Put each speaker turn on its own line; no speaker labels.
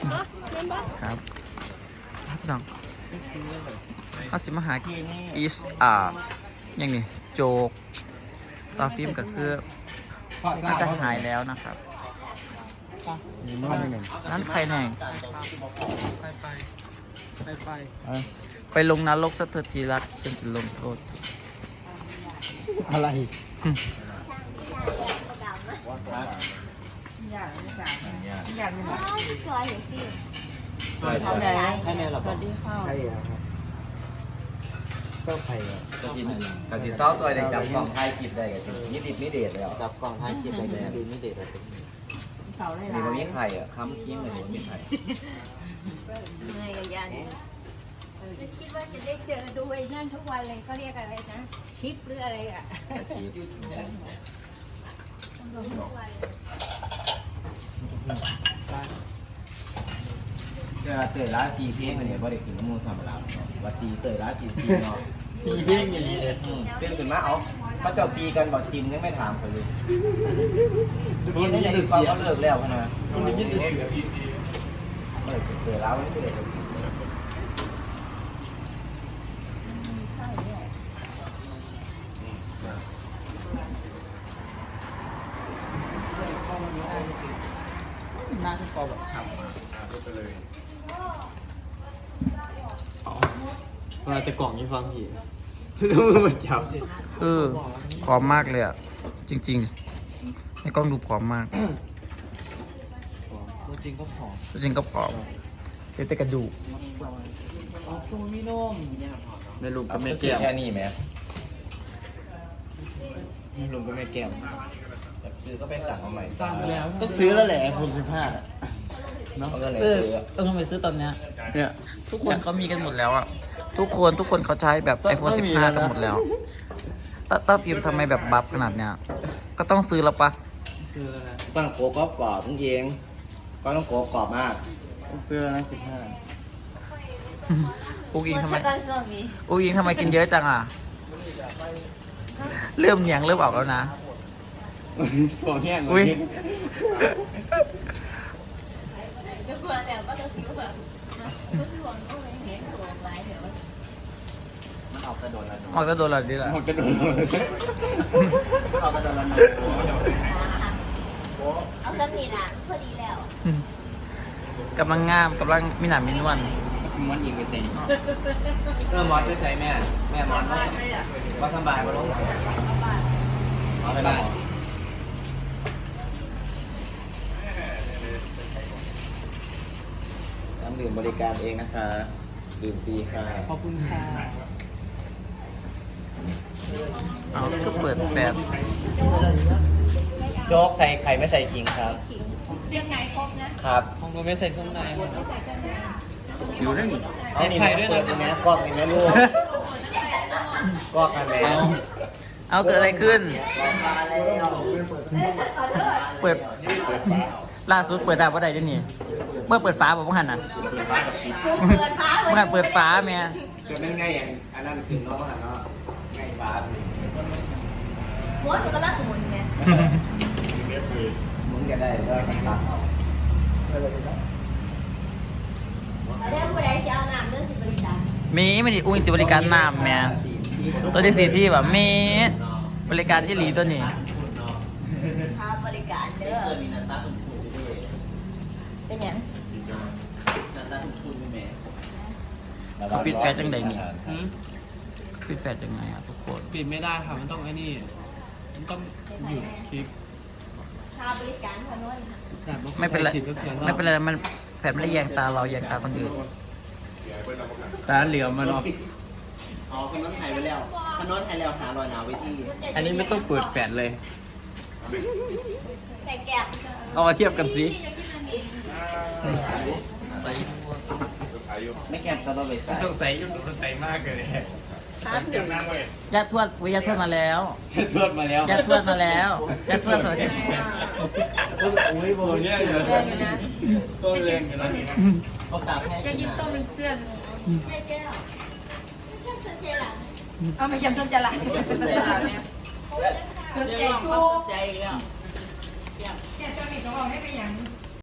ครับน้องเขาสิมาหาอีสอย่างนี้โจกตาฟิล์มก็คือน่าจะหายแล้วนะครับนั่นใครแน่งไปลงนรกสักทีรักฉันจะลงโทษ
อะไร
อยากสวยสิ
ใช่ไหมใช่ไหมหรอสวัสดีค่ะใช่ครับเจ้าไข่
กะทิเศร้าตัวเด็กจับกล่องไทยกิบได้กันนี่ดิบนี่เด็ดเลยอ่ะ
จับกล่องท้ายกินอะไรดีไม่เด็ดอะไร
มีบะหมี่ไข่อ่ะค้ำกิ้งเลยบะหมี่ไข่
เหนื่อยกับยันคิดว่าจะได้เจอดูไอ้นั่นทุกวันเลยเขาเรียกอะไรนะคลิปหรืออะไรอ่ะ
จะเตยร้านซีเพ่งเนี่ยบ่ได้กินมูธรรมดาว่าซีเตยร้านซีเนาะ
ซีเพ่งอย่างนี้เลย
เพ่งขึ้นมาเอาเขาเจ้าตีกันบอกจิมยังไม่ถามเขาเลย
คนนี้
ดึกเขาเลิกแล้วนะ
คนนี้ดึกเสือพีซี
เตยร้านไม่ได้กิน
น่าจะพอแบบทำ
ไปเลยเวลาแต่กล่องนี้ฟังผีแล้วมือมันจับ
ผอมมากเลยอ่ะจริงๆในกล้องดูผอมมาก
ตัวจริงก็ผอม
ตัวจริงก็ผอมแต่กระดูก
ตัวมีนมไม่ลุมก็ไม่แก้ม
แค่นี้ไหม
ไม่ลุมก็ไม่แก้ม
ซื้อก็ไปสั่งเอาใหม่
ต้องซื้อแล้วแหละiPhone 15
เนาะ
ต้องไปซื้อตอนเนี้ยเนี่ยทุกคนเขามีกันหมดแล้วอ่ะทุกคนเขาใช้แบบ iPhone 15 กันหมดแล้วต้าฟิล์มทำไมแบบบัฟขนาดเนี้ยก็ต้องซื้อแล้วปะ
ซื้อแล้วนะ
ต้องโกกรอบจริงก็ต้องโกกรอบมาก
ซื้อแล้วนะ
15อูอิงทำไมกินเยอะจังอ่ะเริ่มเหนียงเริ่มออกแล้วนะ
ถั่วแห้ง
อุ้ย
จะควรแล้วก็จะซื้อแบบถั่วก็ไม่เห็นถั่วลายเดี๋ยว
มันออกกระโดดละ
ออกกระโดดละดีละ
ออกกระโดดออกกระโดดละ
เอาสักนิดอ่ะพอดีแล้ว
กำลังงามกำลังมีหนามีนวล
ม้วนอีกไปใส่มอสไปใส่แม่มอสว่าสบายมาลงเอาไปบ้านน้ำดื่มบริการเองนะคะดื่มฟรีค่ะ
ขอบคุณค่ะ
เอาก็เปิดแปด
โจ๊กใส่ไข่ไม่ใส่ขิงครับ
เรื่องไหนครบนะครับ
ของผมไม่ใส่เครื่องใน
ไม่ใส่เครื่องใน
อยู่ได้หนิเอาไข่ด้วยนะแม่กอกแม่ลูกกอกกันแม่
เอาเกิดอะไรขึ้นเปิดล่าสุดเปิดดาวว่าใดด้วยนี่เมื่อเปิดฟ้าบอกว่าหันน่ะเมื่อเปิดฟ้าแม่
เกิดไม่ง่ายอย่างอันนั้นคือน้องหันเนาะง่ายฟ้า
ม้วนมันก็ลักหมุนไง
มึงจะได้ก็ตัดเอา
เรื่องผู้ใดจะเอาน้ำเรื่องสิบริการ
มีไม่ดีอุ้ยจะบริการน้ำแม่ตัวที่สี่ที่แบบมีบริการที่หลีตัวนี้
ค่าบริการเด้อเป็นยัง
เขาปิดแฟชั่นจังใดนี่ปิดแฟชั่นยังไงอ่ะทุกคน
ปิดไม่ได้ค่ะมันต้องไอ้นี่มันต้องหยุดคลิป
ค่าบริการพนุน
ไม่เป็นไรไม่เป็นไรมันแฟนไม่ได้แยงตาเราแยงตาคนอื่น
ตาเหลียวมันออกอ๋อคนน้องไทยไปแล้วคนน้องไทยแล้วหารอยหนาวไว้ที่
อันนี้ไม่ต้องเปิดแฟนเลย
แต่แก้ว
เอามาเทียบกันสิ
ไม่แก้ตลอดเลย
ต้องใส่ยุ่งต้องใส่มากเลย
ยาทวดวิยาทวดมาแล้ว
ทวดมาแล้ว
ยาทวดมาแล้วยาทวดสวัสดี
อุ้ยโบเนี่ยเลยต้นแรงกันนะเขาตากให้
จะยิ้มต้องเป็นเสื้อไม่แก้วสนใจหลังเอาไม่ใช่สนใจหลังสนใจหลังเนี่ยสนใจชูใจแล้วแกจะมีตัวออกได้เป็นอย่าง